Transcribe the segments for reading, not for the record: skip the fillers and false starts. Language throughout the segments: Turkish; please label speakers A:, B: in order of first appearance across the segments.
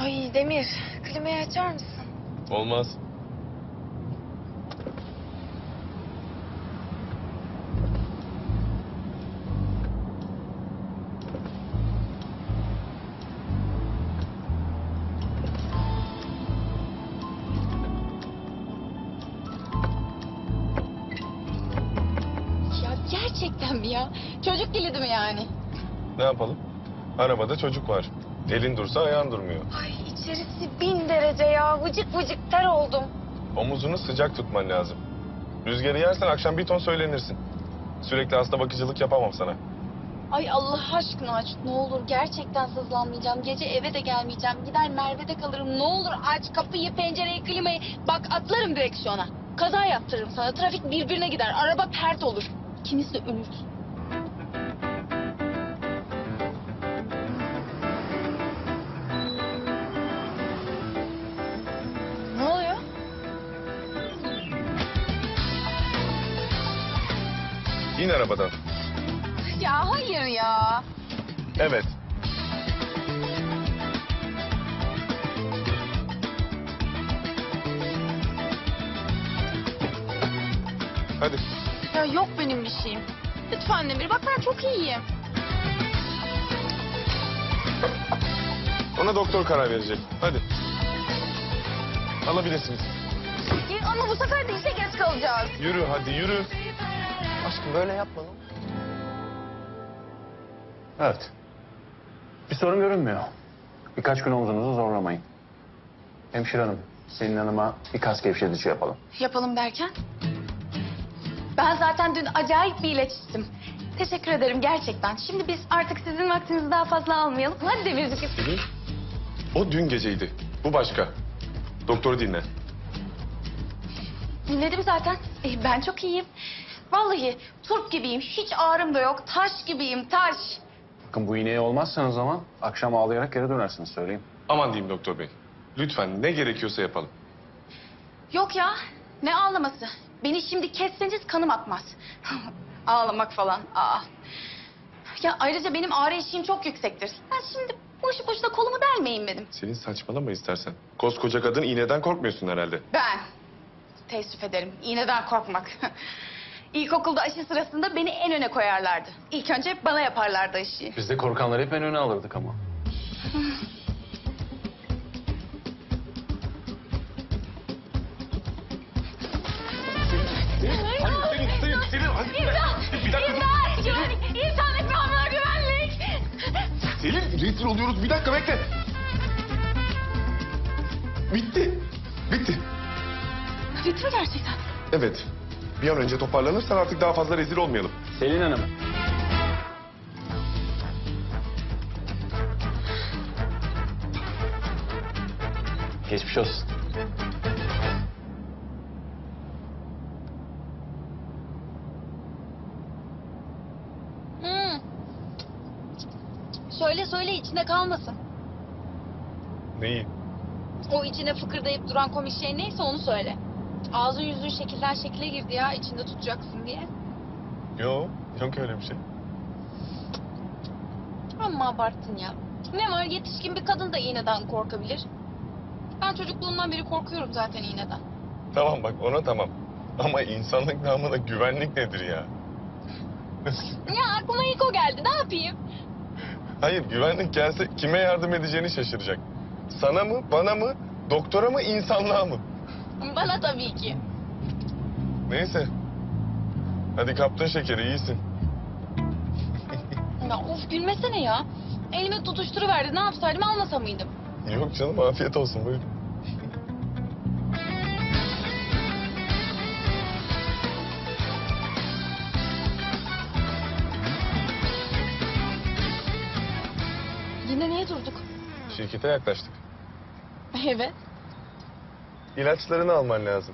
A: Ay Demir, klimayı açar mısın?
B: Olmaz.
A: Ya gerçekten mi ya? Çocuk kilidi mi yani?
B: Ne yapalım? Arabada çocuk var. Elin dursa ayağın durmuyor.
A: Ay içerisi 1000 derece ya. Vıcık vıcık ter oldum.
B: Omuzunu sıcak tutman lazım. Rüzgarı yersen akşam bir ton söylenirsin. Sürekli hasta bakıcılık yapamam sana.
A: Ay Allah aşkına aç. Ne olur gerçekten sızlanmayacağım. Gece eve de gelmeyeceğim. Gider Merve'de kalırım. Ne olur aç kapıyı, pencereyi, klimayı. Bak atlarım direksiyona. Kaza yaptırırım sana. Trafik birbirine gider. Araba pert olur. İkimiz de ölürüz. Ne oluyor?
B: İn arabadan.
A: Ya hayır ya.
B: Evet. Hadi.
A: Ya yok benim bir şeyim. Lütfen Demir. Bak ben çok iyiyim.
B: Ona doktor karar verecek. Hadi. Alabilirsiniz.
A: Ama bu sefer de işe geç kalacağız.
B: Yürü hadi yürü.
C: Aşkım böyle yapma lan. Evet. Bir sorun görünmüyor. Birkaç gün omzunuzu zorlamayın. Hemşire hanım, Selin Hanım'a bir kas gevşetici yapalım.
A: Yapalım derken? Ben zaten dün acayip bir ilaç içtim. Teşekkür ederim gerçekten. Şimdi biz artık sizin vaktinizi daha fazla almayalım. Hadi Demircik.
B: Selin, o dün geceydi. Bu başka. Doktoru dinle.
A: Dinledim zaten. Ben çok iyiyim. Vallahi turp gibiyim. Hiç ağrım da yok. Taş gibiyim, taş.
C: Bakın bu iğneye olmazsanız zaman akşam ağlayarak geri dönersiniz söyleyeyim.
B: Aman diyeyim doktor bey. Lütfen ne gerekiyorsa yapalım.
A: Yok ya. Ne ağlaması? Beni şimdi kesseniz kanım akmaz. Ağlamak falan. Aa. Ya ayrıca benim ağrı eşiğim çok yüksektir. Ben şimdi boşu boşuna kolumu delmeyin dedim.
B: Selin saçmalama istersen. Koskoca kadın iğneden korkmuyorsun herhalde.
A: Ben teessüf ederim. İğneden korkmak. İlkokulda aşı sırasında beni en öne koyarlardı. İlk önce bana yaparlardı aşıyı.
C: Biz de korkanları hep en öne alırdık ama.
B: Selin hadi. Bir dakika dur.
A: İnsanlık namına güvenlik.
B: Selin rezil oluyoruz. Bir dakika bekle. Bitti. Bitti.
A: Bitti mi gerçekten?
B: Evet. Bir an önce toparlanırsan artık daha fazla rezil olmayalım.
C: Selin Hanım. Geçmiş olsun.
A: Söyle içinde kalmasın.
B: Neyi?
A: O içine fıkırdayıp duran komik şey neyse onu söyle. Ağzın yüzün şekilden şekile girdi ya içinde tutacaksın diye.
B: Yok öyle bir şey.
A: Amma abarttın ya. Ne var yetişkin bir kadın da iğneden korkabilir. Ben çocukluğumdan beri korkuyorum zaten iğneden.
B: Tamam bak ona tamam. Ama insanlık namına güvenlik nedir ya?
A: Ya aklıma ilk o geldi ne yapayım?
B: Hayır güvenlik gelse kime yardım edeceğini şaşıracak. Sana mı, bana mı, doktora mı, insanlığa mı?
A: Bana tabii ki.
B: Neyse. Hadi kaptın şekeri iyisin.
A: Ya of gülmesene ya. Elime tutuşturuverdi ne yapsaydım almasa mıydım?
B: Yok canım afiyet olsun buyurun.
A: Yine niye durduk?
B: Şirkete yaklaştık.
A: Evet.
B: İlaçlarını alman lazım.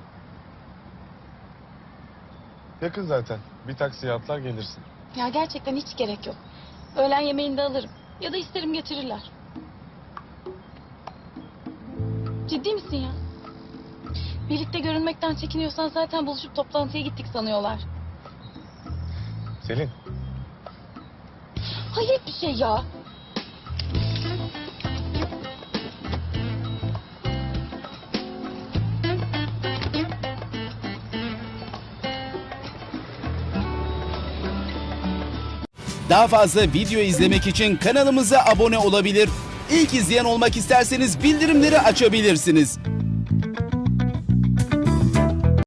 B: Yakın zaten. Bir taksiye atlar gelirsin.
A: Ya gerçekten hiç gerek yok. Öğlen yemeğini de alırım. Ya da isterim getirirler. Ciddi misin ya? Birlikte görünmekten çekiniyorsan zaten buluşup toplantıya gittik sanıyorlar.
B: Selin.
A: Hayret bir şey ya.
D: Daha fazla video izlemek için kanalımıza abone olabilir. İlk izleyen olmak isterseniz bildirimleri açabilirsiniz.